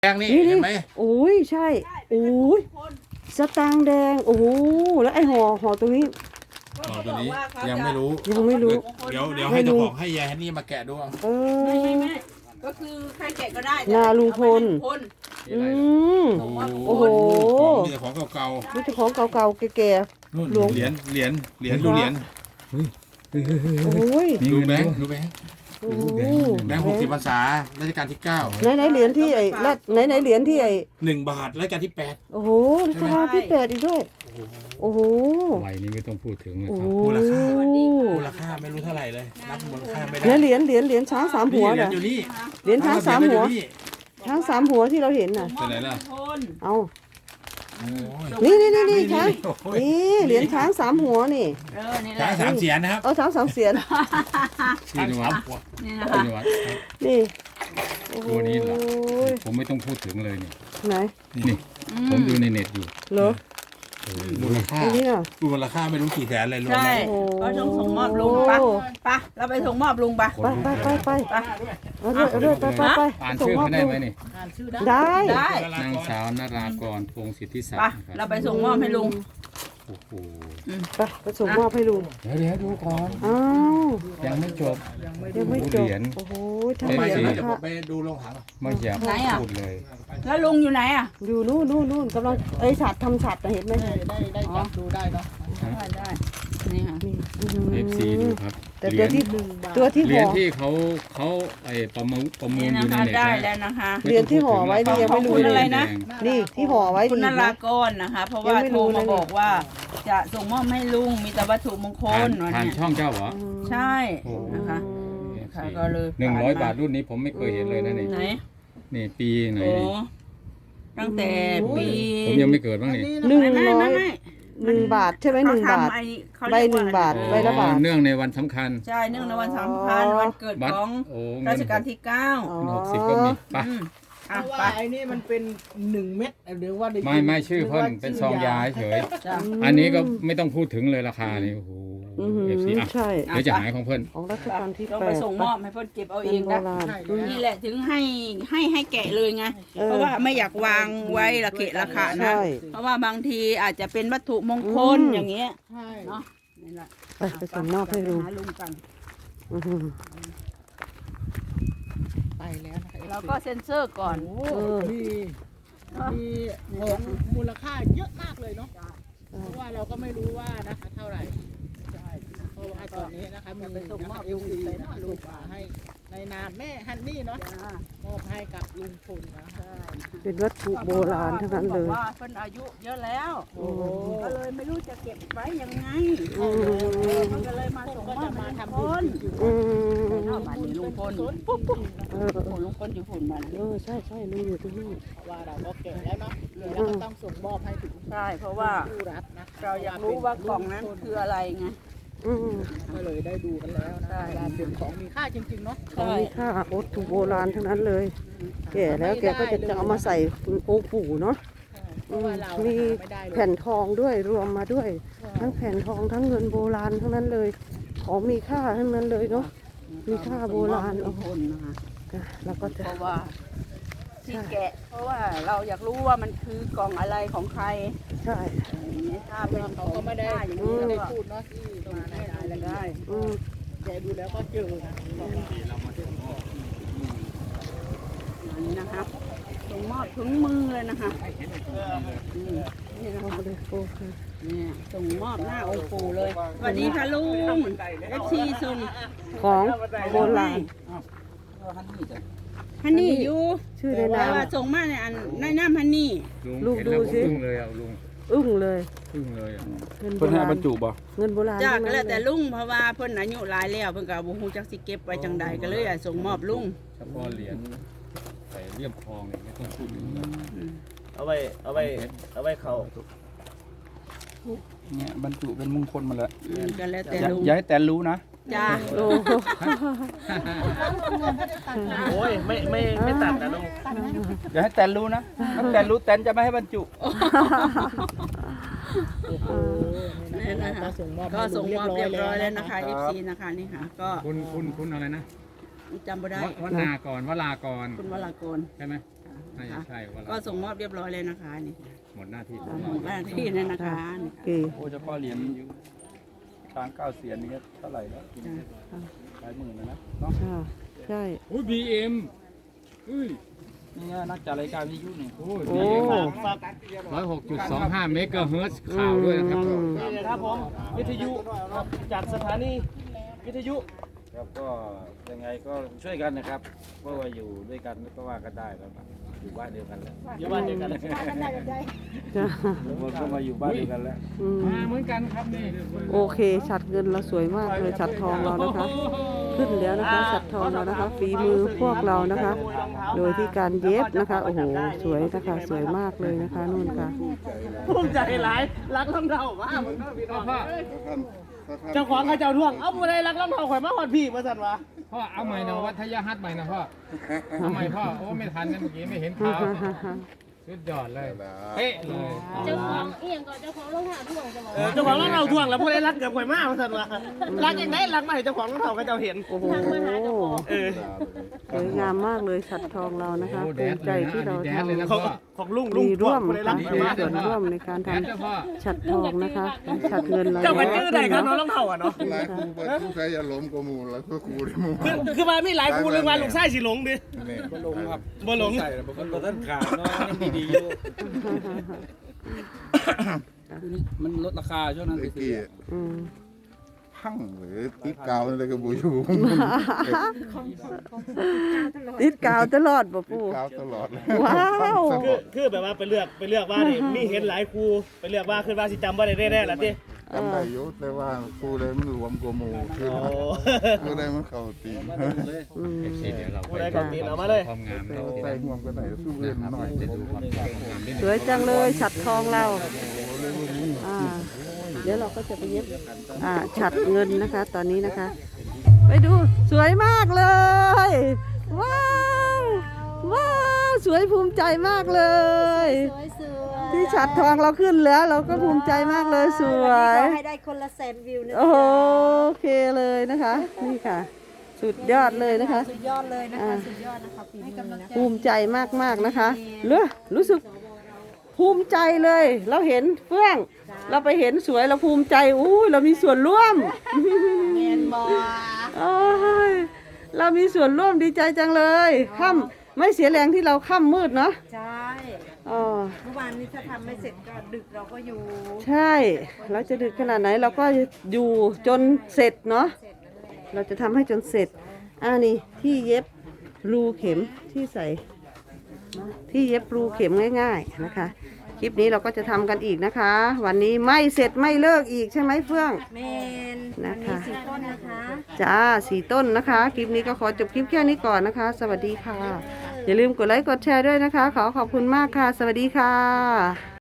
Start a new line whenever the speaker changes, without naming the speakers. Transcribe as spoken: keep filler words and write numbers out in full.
แดงนี่เห็นไหม
โอ้ยใช่โอ้ยสตางค์แดงโอ้โหแล้วไอ้ห่อห่อตรงนี้
ห่อตัวนี้ยังไม่รู้
ยังไม่รู้
เดี๋ยวเดี๋ยวให้เจ้าของให้ยายฮันนี่มาแกะดู
เออ
ไม่ไม่ไม่ก็คือใครแกะก็ได้
นาลุงพลอืมโอ้โห
มีแต่ของเก่า
มีแต่ของเก่าๆแก่
ๆนู่นเหรียญเหรียญเหรียญดูเหรียญ
โอ้ย
ดูแบงค์ดูแบงค์แบงค์หกสิบพรรษารัชกาลที่เก้า
ไหนไหนเหรียญที่ไอ้รัดไหนไหนเหรียญที่ไอ้
หนึ่งบาทรัชกาลที่แปด
โอ้โหรัชกาลที่แปดอีกด้วยโอ้โห
ใบนี้ไม่ต้องพูดถึงนะครับ
มูลค่ามูลค่าไม่รู้เท่าไหร่เลยนับมูลค่าไม่ได้
เหรียญเหรียญเหรียญช้างสามหัวเหรอ
อยู่นี่
เหรียญช้างสามหัวช้างสามหัวที่เราเห็นน่ะ
เป็นไรล่ะ
เอานี่นี่นี่นี่ช้างนี่เหรียญช้างสามหัวนี่
ช้างสามเสียนนะครับ
เออช้างสามเสียน
ชื่อนิวัฒน์
นี่นะคะ
นิวัฒน์
นี่
ตัวนี้แหละผมไม่ต้องพูดถึงเลยนี่
ไหน
นี่ผมดูในเน็ตอยู่
เหรอ
มูลค่ามูลค่าไม่รู้กี่แสนเลยรวม
ใช่ก็ต้องส่งมอบลุงปะปะเราไปส่งมอบลุงปะ
ไปไปไปไปไปเอาเรื่อยเอาเรื่อยไปไปไป
อ่านชื่อได้ไหมนี่
ได้
ได้
นางสาวนารากรพงศิทธิศัก
ดิ์เราไปส่งมอบให้ลุง
โอ้โห
ไปไปส่งมอบให้ลุง
เดี๋ยวเดี๋ยวดูก่อน
อ้าว
ยังไม่จบ
ยังไม่จบโอ้โห
ทำไมเดี๋ยวผมไปดูโรงหาง
ไม่อยากพูดเลย
แล้วลุงอยู่ไหนอ่ะ
อยู่นู่นนู่นนู่นกำลังไอ้ฉัดทำฉัดเห็นไหม
ได้ได้จับดูได้เนาะได้ได้นี่ค่ะ
เอฟซีดูครับ
แต่ตัวที่ตัวที่ห่อ
ที่เขาเขาไอ้ประมูลประมูลอยู่ในเน็ต
ได้แล้วนะคะ
เหรียญที่ห่อไว้นี่ยังไม่รู้
อะไรนะ
นี่ที่ห่อไว้
คุณนรากรนะคะเพราะว่าโทรมาบอกว่าจะส่งมอบให้ลุงมีแต่วัตถุมงคล
ผ่านช่องเจ้าเหรอ
ใช่นะคะค่ะก็เลย
หนึ่งร้อยบาทรุ่นนี้ผมไม่เคยเห็นเลยนะนี่
ไหน
นี่ปีไหน
ตั้งแต่ปี
ผมยังไม่เกิดบ้างนี่
หนึ่งร้อยหนึ่งบาทใช่ไหมหนึ่งบาทใบหนึ่งบาทใบละบาท
เนื่องในวันสำคัญ
ใช่เนื่องในวันสำคัญวันเกิดของรัชกาลที่เก้า
หกสิบก็มีปะ
เพราะว่าไอ้นี่มันเป็นหนึ่งเม็ดหรือว่า
ไม่ไม่ชื่อเพิ่นเป็นซองยาเฉยอันนี้ก็ไม่ต้องพูดถึงเลยราคานี่โอ้โหเอฟซีอ่ะ
ใช่
เดี๋ยวจะหายของเพิ่น
ของรัชกาลที่แปด
ต้องไปส่งมอบให้เพิ่นเก็บเอาเองนะนี่แหละถึงให้ให้ให้แกะเลยไงเพราะว่าไม่อยากวางไว้ระเกะระขานะเพราะว่าบางทีอาจจะเป็นวัตถุมงคลอย่างเงี้ยเนาะนี่แหละ
ไปไปส่งมอบให้ลุง
กัน
ไปแล้ว
เราก็เซ็นเซอร์ก่อน
มีมีของมูลค่าเยอะมากเลยเนาะเพราะว่าเราก็ไม่รู้ว่านะคะเท่าไหร่เพราะว่าตอนนี้นะคะมีส่งมอบเอลซีนะลูกมาให้ในนามแม่ฮันนี่เนาะมอบให้กับลุงพลนะคะ
เป็นวัตถุโบราณทั้งนั้นเลย
ว่าเพิ่นอายุเยอะแล้วก็เลยไม่รู้จะเก็บไว้ยังไงมันก็เลยมาส่งมอบมาทำบุญบ้านนี้ลุงพลปุ๊บปุ๊บลุงพลอยู่ฝุ่นมา
เออใช่ใช่ลุงอยู่ที่นี่
ว่าเราก็เก็บแล้วเนาะแล้วก็ต้องส่งมอบให้ถึง
ใช่เพราะว่าเราอยากรู้ว่ากล่องนั้นคืออะไรไง
ก็เลยได้ดูกันแล้วนะเป็นของมีค่าจริงๆเนาะ
ของมีค่าวัตถุโบราณทั้งนั้นเลยแก่แล้วแกก็จะจะเอามาใส่องค์ปู่เนาะมีแผ่นทองด้วยรวมมาด้วยทั้งแผ่นทองทั้งเงินโบราณทั้งนั้นเลยของมีค่าทั้งนั้นเลยเนาะมีค่าโบราณเอา
คนนะคะ
แล้วก็จะ
เพราะว่าที่แกะเพราะว่าเราอยากรู้ว่ามันคือกล่องอะไรของใคร
ใช่
ถ้าเป็น
เขาก็ไม่ได้อย่างนี้ไม่ได้พูดเนาะที่ตรงนั้นได้อะไรได้แกดูแล้วก็เจอนะ
นี่นะคะส่งมอบถึงมือเลยนะคะนี่นะคะนี่ส่งมอบหน้าองค์ปู่เลยสวัสดีค่ะลุงเอฟซีส่ง
ของโบราณ
ฮันนี่อยู่
ชื่อในนาม
ว่าส่งมาในอันในน้ำฮันนี่
ลูกดูสิ
อึ้งเลยอ่ะลุง
อึ้งเลย
อึ้งเลยอ่ะ
เพิ่นให้บรรจุบ่เงินโบราณ
จ้าก็แล้วแต่ลุงเพราะว่าเพิ่นอายุหลายแล้วเพิ่นก็บ่ฮู้จักสิเก็บไว้จังใดก็เลยส่งมอบลุง
เฉพาะเหรียญใส่เลี่ยมทองเนี่ยไม่ต้องพูดถึง
เอาไว้เอาไว้เอาไว้เขา
เนี่ยบรรจุเป็นมงคลมาแล้ว
ก็แล้วแต่ลุง
อย่าให้แต่รู้นะ
จ้า
โอ้ยไม่ไม่ไม่ตัดนะลุง
อย่าให้แตนรู้นะถ้าแตนรู้แตนจะไม่ให้บรรจุ
นี่นะคะก็ส่งมอบเรียบร้อยแล้วนะคะ เอฟ ซี นะคะนี่ค่ะก็
คุณคุณคุณอะไรนะ
จำไม่ได้
วลากรวลากร
คุณวลากร
ใช่ไหมน
นะคะ
ใช่ว่า
ก็ส่งมอบเรียบร้อยเลยนะคะนี่
หมดหน้าที่
หมดหน้าที่เลยนะคะนี่
โอเค
โอ้เฉพาะเหรียญช้างเก้าเสียนนี่ก็เท่าไหร่แล้วหลายหมื่นแล้วนะเนาะ
ค่ะใช่
อุ้ยบีเอ็มอุ้ย
นี่ไงนักจัดรายการวิทยุนี่
โอ้ย
โอ้
บีเอ็มร้อยหกจุดสองห้าเมกะเฮิรตซ์ข่าวด้วยนะครับ
อืม
นี่ครับผมวิทยุจัดสถานีวิทยุครับก็ยังไงก็ช่วยกันนะครับเพราะว่าอยู่ด้วยกันก็ว่ากันได้แล้วอยู่บ้านเดียวกันแล้วอยู่บ้านเดียวกันแล้ว
จ้ะ
ก็มาอยู่บ้านเดียวกันแล้ว
อืม
มาเหมือนกันครับนี่
โอเคฉัดเงินเราสวยมากเลยฉัดทองเรานะคะ ขึ้นแล้วนะคะฉัดทองเรานะคะฝีมือพวกเรานะคะ โดยที่การเย็บนะคะโอ้โหสวยนะคะสวยมากเลยนะคะนู่นค่ะ
ภูมิใจหลายรักลำเท่ามากมันก็พี่น้อง
พ่อ
เจ้าของเขาเจ้าท่วงเอ้าผู้ใดรักลำเท่าข่อยมาหอดพี่มาสั่นวะ
พ่อเอาใหม่นะวัฒยฮัทใหม่นะพ่อเอาใหม่พ่อโอ้ไม่ทันนะเมื่อกี้ไม่เห็นข่าวสุดยอดเลยเป๊ะเลย
เจ้าของเอียงก่อนเจ้าของรองเท้าท่วงจะบอก
เออเจ้าของรองเท้าท่วงแล้วผู้ใดรักเกือบข่อยมามาสั่นวะรักยังไงรักมาให้เจ้าของรองเท้าเขาเจ้าเห็น
โอ้โห
เออ
สวยงามมากเลยฉัดทองเรานะคะภูมิใจที่เราทำ
ของของลุงลุง
มี
ท่ว
ร่ว
ง
ม
ผู้ใดรั
ค่ะ
กข่อย
มี
มา
ส่วนร่วมในการท
แดนเจ้าพ่อ
ำฉัดทองนะคะฉัดเงินเรา
เจ้าก็
เย
ชื่อ
อะ
ใด
ขึ้น
ครับ
เนาะ
น้องรองเท้าอ่ะเนาะ
หลายครูไปทุกใครอย่าล้มกว่าหมูแล้วก็ครูได้หมู
คือคือว่ามีหลายครูเรื่องว่าลูกชายสิหลงดิ
นี่
ลงครับ
บ่หลง
ใส่แล้วมันก็ท่านขาดเนาะยังดีๆอยู่มันลดราคาช่วงนั้น
ไอ้
ไปซื้
กี้
อ
อืม
พังหรือติดกาวอะไรก็บูอยู่
ติดกาวตลอดบ่
ติด
ปู่
กาวตลอดเลย
ว้าว
คือคือแบบว่าไปเลือกไปเลือกว่านี่มีเห็นหลายครูไปเลือกว่าคือว่าสิจำบ่ได้แน่ๆล่ะติ
จำได้อยุแต่ว่าครูเลยมันรวมกว่าหมูคือ
โอ้
ครูเลยมันเข้าตี
อืม
เดี๋ยวเรา
ผู้ใดก็ตีนเอามาเลย
ความงามเรา
ใส่ห่วงกันไหนสู้เล่นหน่อย
จะดูความงามนิด
สวยจังเลยฉัดทองเราอ่าเดี๋ยวเราก็จะไปเย็บอ่าฉัดเงินนะคะ ตอนนี้นะคะ ไปดูสวยมากเลย ว้าวว้าวสวยภูมิใจมากเลย
สวยสวย
ที่ฉัดทองเราขึ้นแล้ว เราก็ภูมิใจมากเลยสวย
ขอให้ได้คนละแสนวิวนะ
โอเคเลยนะคะ นี่ค่ะ สุดยอดเลยนะคะ
สุดยอดเลยนะคะสุดยอดนะคะปีนี้นะ
ภูมิใจมากๆนะคะเลือรู้สึกภูมิใจเลย เราเห็นเฟื่อง เราไปเห็นสวยเราภูมิใจอู้เรามีส่วนร่วม
เมียนบอ
โอ้ยเรามีส่วนร่วมดีใจจังเลยค่ำไม่เสียแรงที่เราค่ำมืดเนาะ
ใช่
อ๋อ
เมื่อวานนี้ถ้าทำไม่เสร็จก็ดึกเราก็อยู่
ใช่ เราจะดึกขนาดไหนเราก็อยู่จนเสร็จเนาะเราจะทำให้จนเสร็จอ่านี่ที่เย็บรูเข็มที่ใส่ ที่เย็บรูเข็มง่ายๆนะคะ คลิปนี้เราก็จะทำกันอีกนะคะ วันนี้ไม่เสร็จไม่เลิกอีกใช่ไหมเฟื่อง
เมน
นะคะ
มีสิบต้นนะคะ
จ้าสี่ต้นนะคะ คลิปนี้ก็ขอจบคลิปแค่นี้ก่อนนะคะ สวัสดีค่ะ อย่าลืมกดไลค์กดแชร์ด้วยนะคะ ขอขอบคุณมากค่ะ สวัสดีค่ะ